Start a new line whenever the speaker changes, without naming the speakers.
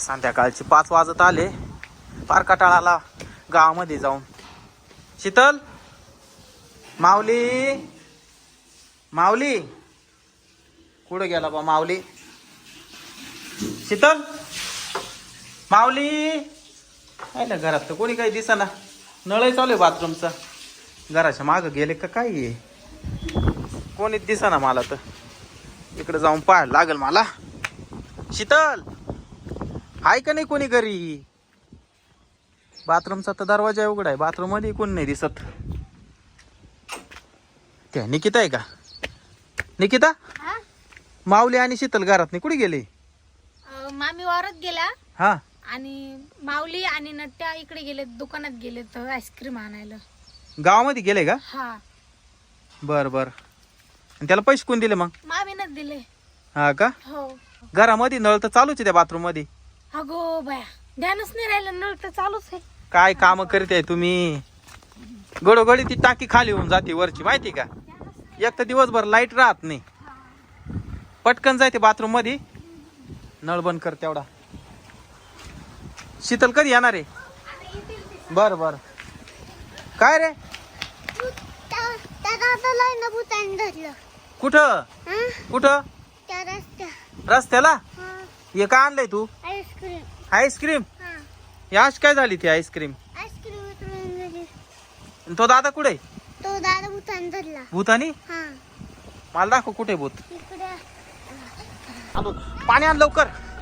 संध्याकाळचे 5 वाजत आले. फार कटाळाला गावामध्ये जाऊन. शीतल, माऊली, माऊली कुठं गेला बा माऊली? शीतल, माऊली आहे ना घरात तर कोणी काही दिसेना. नळही चालू आहे बाथरूमचा. घराच्या मागं गेले का काय आहे? कोणीच दिसेना मला तर. तिकडे जाऊन पाहायला लागेल मला. शीतल, आहे का नाही कोणी घरी? बाथरूमचा तर दरवाजा उघडा आहे. बाथरूम मध्ये कोण नाही दिसत. त्या निकिता आहे का? निकिता, माऊली आणि शीतल घरात नाही, कुठे गेले?
मामी वावरात गेला
हा,
आणि माऊली आणि नट्ट्या इकडे गेले, दुकानात गेले तर आईस्क्रीम आणायला.
गावामध्ये गेले का?
हा,
बर बर. आणि त्याला पैसे कोण दिले मग?
मामीनच दिले.
हा का?
हो.
घरामध्ये नळ तर चालूच आहे त्या बाथरूम मध्ये.
अगो बाया, ध्यानच नाही राहिलं, नळ तर चालूच आहे.
काय काम करते तुम्ही? गडोगडी ती टाकी खाली होऊन जाते वरची, माहिती का? एक तर दिवसभर लाईट राहत नाही. पटकन जायते बाथरूम मध्ये. नळ बंद कर तेवढा. शीतल कधी येणार आहे? बर बर. काय रे? कुठं कुठं? रस्त्याला? हे काय आणलंय तू? आईस्क्रीम? याश काय झाली ती आईस्क्रीम? तो दादा कुठे?
तो दादा भूतान धरला.
भूतानी? मला दाखव कुठे भूत. आलो. पाणी आण लवकर.